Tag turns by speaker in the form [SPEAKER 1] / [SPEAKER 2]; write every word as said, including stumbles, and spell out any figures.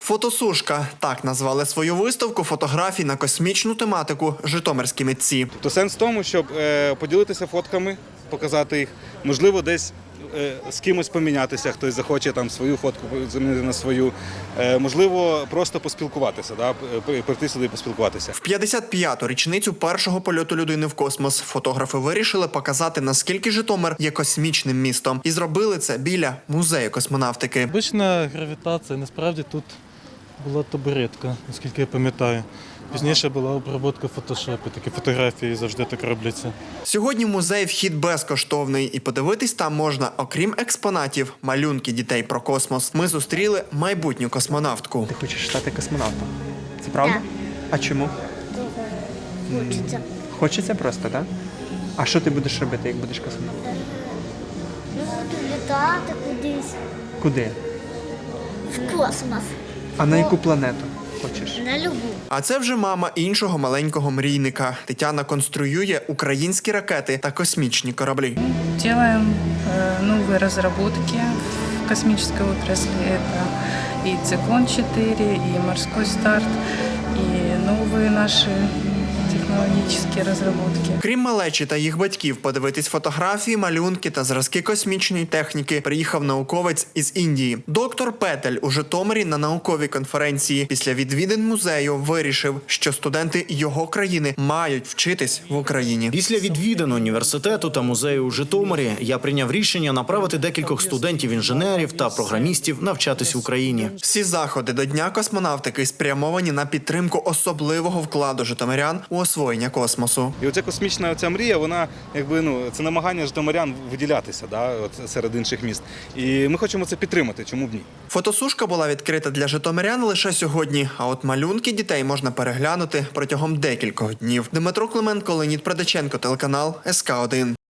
[SPEAKER 1] Фотосушка – так назвали свою виставку фотографій на космічну тематику житомирські митці.
[SPEAKER 2] То сенс в тому, щоб е, поділитися фотками, показати їх, можливо, десь е, з кимось помінятися, хтось захоче там свою фотку замінити на свою, е, можливо, просто поспілкуватися, да, прийти сюди і поспілкуватися.
[SPEAKER 1] В п'ятдесят п'яту річницю першого польоту людини в космос фотографи вирішили показати, наскільки Житомир є космічним містом. І зробили це біля музею космонавтики.
[SPEAKER 3] Обична гравітація, насправді тут була табуретка, наскільки я пам'ятаю. Пізніше була обробка в фотошопі, такі фотографії завжди так робляться.
[SPEAKER 1] Сьогодні в музей вхід безкоштовний, і подивитись там можна, окрім експонатів, малюнки дітей про космос. Ми зустріли майбутню космонавтку.
[SPEAKER 4] Ти хочеш стати космонавтом? Це правда?
[SPEAKER 5] Так.
[SPEAKER 4] А чому?
[SPEAKER 5] Хочеться.
[SPEAKER 4] Хочеться просто, так? А що ти будеш робити, як будеш космонавтом?
[SPEAKER 5] Ну, буду літати кудись
[SPEAKER 4] Куди?
[SPEAKER 5] в космос.
[SPEAKER 4] А на яку планету хочеш?
[SPEAKER 5] На любу.
[SPEAKER 1] А це вже мама іншого маленького мрійника. Тетяна конструює українські ракети та космічні кораблі.
[SPEAKER 6] Делаем э, новые разработки в космической отрасли. Это и Циклон четыре, и Морской старт, и новые наши технологические разработки.
[SPEAKER 1] Крім малечі та їх батьків, подивитись фотографії, малюнки та зразки космічної техніки приїхав науковець із Індії. Доктор Петель у Житомирі на науковій конференції після відвідин музею вирішив, що студенти його країни мають вчитись в Україні.
[SPEAKER 7] Після відвідин університету та музею у Житомирі я прийняв рішення направити декількох студентів-інженерів та програмістів навчатись в Україні.
[SPEAKER 1] Всі заходи до Дня космонавтики спрямовані на підтримку особливого вкладу житомирян у освоєння космосу.
[SPEAKER 2] І оця космічна оця мрія, вона якби ну це намагання житомирян виділятися, да, от серед інших міст. І ми хочемо це підтримати. Чому б ні?
[SPEAKER 1] Фотосушка була відкрита для житомирян лише сьогодні, а от малюнки дітей можна переглянути протягом декількох днів. Дмитро Клименко, Леонід Продаченко, телеканал ес ка один.